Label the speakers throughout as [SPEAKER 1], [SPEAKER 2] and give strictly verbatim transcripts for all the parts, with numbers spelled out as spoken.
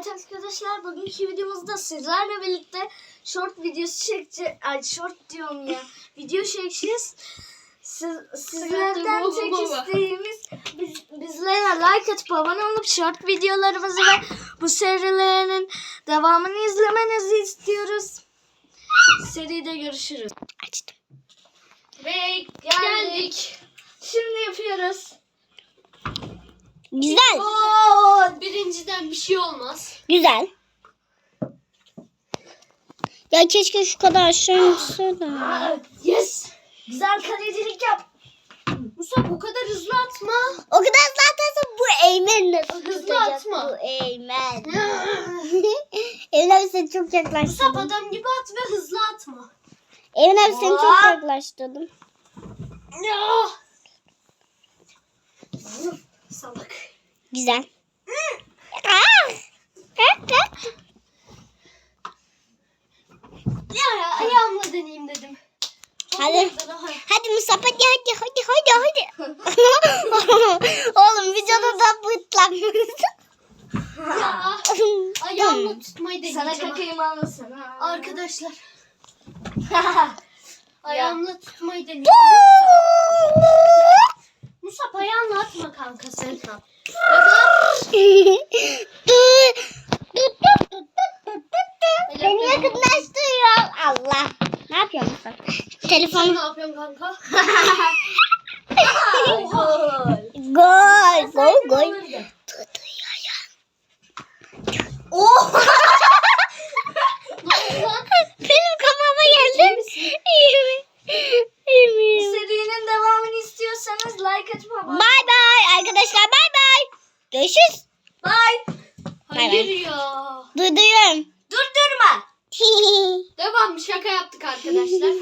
[SPEAKER 1] Evet arkadaşlar, bugünkü videomuzda sizlerle birlikte short videosu çekeceğiz. Ay short diyorum ya. Video çekeceğiz. Siz, sizlerden tek isteğimiz biz, bizlere like atıp abone olup short videolarımızı ve bu serilerin devamını izlemenizi istiyoruz. Seride görüşürüz.
[SPEAKER 2] Açtım.
[SPEAKER 1] Ve geldik. geldik. Şimdi yapıyoruz.
[SPEAKER 2] Güzel.
[SPEAKER 1] Oo, birinciden bir şey olmaz.
[SPEAKER 2] Güzel. Ya keşke şu kadar aşağı inse de.
[SPEAKER 1] Yes. Güzel kalecilik yap. Musa bu kadar hızlı atma.
[SPEAKER 2] O kadar hızlı atarsan bu Eymen nasıl
[SPEAKER 1] Hızlı
[SPEAKER 2] tutacak?
[SPEAKER 1] atma.
[SPEAKER 2] Bu Eymen. Eymen abi seni çok
[SPEAKER 1] Musa
[SPEAKER 2] yaklaştırdım.
[SPEAKER 1] adam gibi at ve hızlı atma.
[SPEAKER 2] Eymen abi seni çok
[SPEAKER 1] Aa.
[SPEAKER 2] yaklaştırdım.
[SPEAKER 1] Ya. Salak.
[SPEAKER 2] Güzel. Aa! Kalk, kalk.
[SPEAKER 1] Ya, ya ayağımla deneyeyim dedim.
[SPEAKER 2] Hadi. Hadi Musa hadi hadi hadi hadi hadi. Oğlum videoda da bıtlanmışsın.
[SPEAKER 1] Ya. Ayağımla tutmayı deneyeceğim.
[SPEAKER 2] Sana
[SPEAKER 1] kakayım almasın. Arkadaşlar. Ayağımla tutmayı deneyeceğim. Musa ayağınla atma kanka sen.
[SPEAKER 2] Dur. Dur dur dur dur dur dur. Beni yakınlaştırıyor. Allah. Ne yapıyorsun sen?
[SPEAKER 1] Sen
[SPEAKER 2] Telefon.
[SPEAKER 1] ne yapıyorsun kanka?
[SPEAKER 2] Gol. Gol gol. Dur dur ya ya.
[SPEAKER 1] Oh!
[SPEAKER 2] Benim kafama geldi. İyi mi? İyi mi?
[SPEAKER 1] Bu serinin devamını istiyorsanız like atıp abone olun.
[SPEAKER 2] Bye bye arkadaşlar, bye bye. Görüşürüz.
[SPEAKER 1] Bye.
[SPEAKER 2] Bay
[SPEAKER 1] Hayır
[SPEAKER 2] bay.
[SPEAKER 1] ya.
[SPEAKER 2] Duyduruyorum.
[SPEAKER 1] Durdurma. Devam, şaka yaptık arkadaşlar.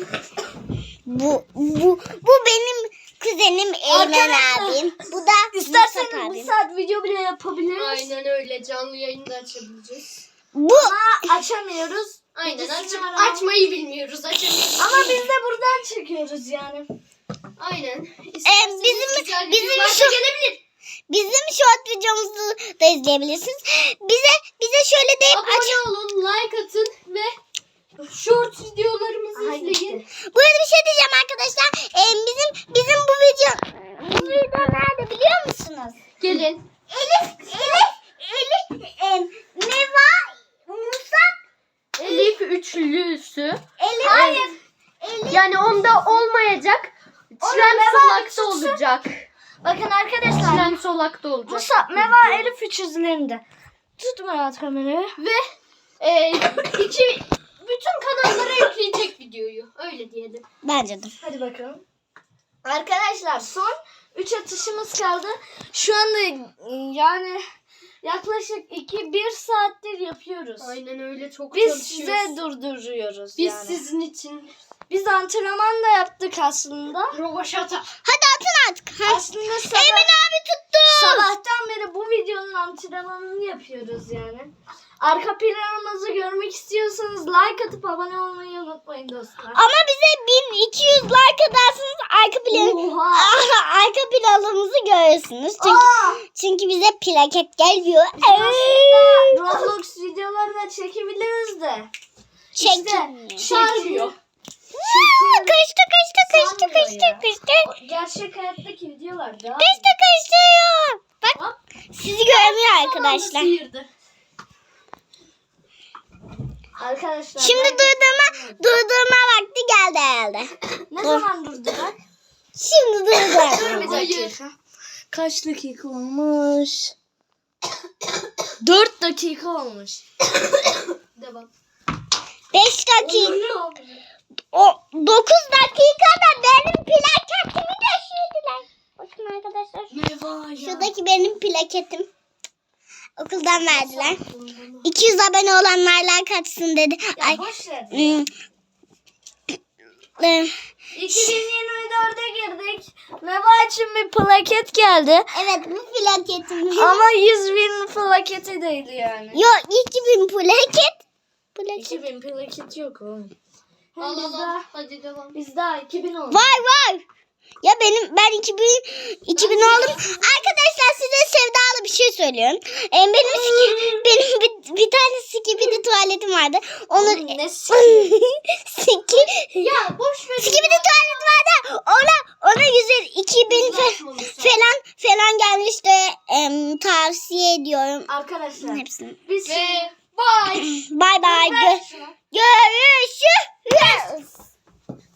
[SPEAKER 2] bu bu bu benim kuzenim Eymen
[SPEAKER 1] Arkadaşlar,
[SPEAKER 2] abim. Bu da
[SPEAKER 1] İsterseniz
[SPEAKER 2] Mustafa
[SPEAKER 1] bir
[SPEAKER 2] abim.
[SPEAKER 1] saat video bile yapabiliriz.
[SPEAKER 3] Aynen öyle. Canlı yayında açabileceğiz.
[SPEAKER 2] Bu
[SPEAKER 1] Ama açamıyoruz.
[SPEAKER 3] Aynen.
[SPEAKER 1] İkisini
[SPEAKER 3] Aç
[SPEAKER 1] arama.
[SPEAKER 3] açmayı bilmiyoruz. Açamıyoruz.
[SPEAKER 1] Ama biz de buradan çekiyoruz yani.
[SPEAKER 3] Aynen.
[SPEAKER 2] Ee, bizim-
[SPEAKER 3] güzel
[SPEAKER 2] bizim
[SPEAKER 3] videolar da
[SPEAKER 2] şu-
[SPEAKER 3] gelebilir.
[SPEAKER 2] bizim short videomuzu da izleyebilirsiniz. Bize bize şöyle deyip aç.
[SPEAKER 3] Abone olun, like atın ve short videolarımızı
[SPEAKER 1] Aha,
[SPEAKER 3] izleyin.
[SPEAKER 1] gitti.
[SPEAKER 2] Bu arada bir şey diyeceğim arkadaşlar. Ee, bizim bizim bu video bu video nerede biliyor musunuz?
[SPEAKER 3] Gelin.
[SPEAKER 2] Elif Elif Elif em, Neva Musab
[SPEAKER 3] Elif üçlüsü.
[SPEAKER 2] Elif
[SPEAKER 3] Hayır.
[SPEAKER 2] Elif
[SPEAKER 3] Yani onda olmayacak. Çilem
[SPEAKER 1] Meva
[SPEAKER 3] solakta
[SPEAKER 1] üçlüsü.
[SPEAKER 3] olacak.
[SPEAKER 1] Bakın arkadaşlar.
[SPEAKER 3] Çilem solakta olacak.
[SPEAKER 1] Musa, Meva, Elif üç yüzlerinde. Tutma rahat kamerayı.
[SPEAKER 3] Ve e, iki bütün kanallara yükleyecek videoyu. Öyle diyelim.
[SPEAKER 2] bence de.
[SPEAKER 1] Hadi bakalım. Arkadaşlar son üç atışımız kaldı. Şu anda yani yaklaşık iki bir saattir yapıyoruz.
[SPEAKER 3] Aynen öyle, çok
[SPEAKER 1] Biz
[SPEAKER 3] çalışıyoruz.
[SPEAKER 1] size durduruyoruz
[SPEAKER 3] Biz
[SPEAKER 1] yani.
[SPEAKER 3] sizin için
[SPEAKER 1] Biz antrenman da yaptık aslında.
[SPEAKER 3] rovaşata.
[SPEAKER 2] Hadi atın artık. Ha.
[SPEAKER 1] Aslında sabah,
[SPEAKER 2] Eymen abi tuttu.
[SPEAKER 1] sabahtan beri bu videonun antrenmanını yapıyoruz yani. Arka planımızı görmek istiyorsanız like atıp abone olmayı unutmayın dostlar.
[SPEAKER 2] Ama bize bin iki yüz like atarsanız arka plan
[SPEAKER 1] Oha!
[SPEAKER 2] arka planımızı görürsünüz. Çünkü
[SPEAKER 1] Aa!
[SPEAKER 2] çünkü bize plaket gelmiyor.
[SPEAKER 1] Aslında Roblox videoları da çekebiliriz de.
[SPEAKER 2] Çekmiyor.
[SPEAKER 1] Çekmiyor.
[SPEAKER 2] Aa, Kaçtı kaçtı kaçtı
[SPEAKER 1] Sanmıyor
[SPEAKER 2] kaçtı
[SPEAKER 1] ya.
[SPEAKER 2] kaçtı.
[SPEAKER 1] Gerçek hayattaki videolar daha.
[SPEAKER 2] Kaçtı kaçtı. Bak
[SPEAKER 1] Hop.
[SPEAKER 2] sizi görmüyor arkadaşlar.
[SPEAKER 3] Sıyırdı.
[SPEAKER 1] Arkadaşlar.
[SPEAKER 2] Şimdi
[SPEAKER 1] ben-
[SPEAKER 2] durdurma durdurma vakti geldi herhalde.
[SPEAKER 1] Ne zaman durdular?
[SPEAKER 2] Şimdi durdurma.
[SPEAKER 3] Dur bir dakika.
[SPEAKER 1] Kaç dakika olmuş? Dört dakika olmuş.
[SPEAKER 3] Devam.
[SPEAKER 2] beş dakika. O dokuz dakikada benim plaketimi düşürdüler. Bakın arkadaşlar.
[SPEAKER 1] Meva ya.
[SPEAKER 2] Şuradaki benim plaketim. Okuldan verdiler. iki yüz abone olanlar like atsın dedi.
[SPEAKER 1] Ya
[SPEAKER 2] Ay.
[SPEAKER 1] boş ver.
[SPEAKER 2] Hmm. Ee,
[SPEAKER 1] iki bin yirmi dörde girdik. Meva için bir plaket geldi.
[SPEAKER 2] Evet bu plaketim.
[SPEAKER 1] Ama yüz bin plaketi değil yani.
[SPEAKER 2] Yok iki bin plaket. Plaket.
[SPEAKER 1] iki bin plaket yok oğlum. Hem
[SPEAKER 3] Al
[SPEAKER 1] biz
[SPEAKER 3] al al.
[SPEAKER 1] daha,
[SPEAKER 3] Hadi devam.
[SPEAKER 1] biz daha iki bin oldu.
[SPEAKER 2] Var var. Ya benim ben iki bin iki bin oldum. Arkadaşlar size sevdalı bir şey söylüyorum. Ee, benim benim bir, tuvaletim vardı. Onu
[SPEAKER 1] Oğlum ne sikiyim?
[SPEAKER 2] Siki.
[SPEAKER 3] Ya boş ver.
[SPEAKER 2] Skibidi tuvalet vardı. Ona ona güzel iki bin fe- falan falan gelmişti. Em, tavsiye ediyorum.
[SPEAKER 1] Arkadaşlar
[SPEAKER 2] Hepsini.
[SPEAKER 1] biz
[SPEAKER 3] Ve bye.
[SPEAKER 2] Bye bye.
[SPEAKER 3] Ver
[SPEAKER 2] Gö-
[SPEAKER 3] şunu.
[SPEAKER 2] görüşürüz.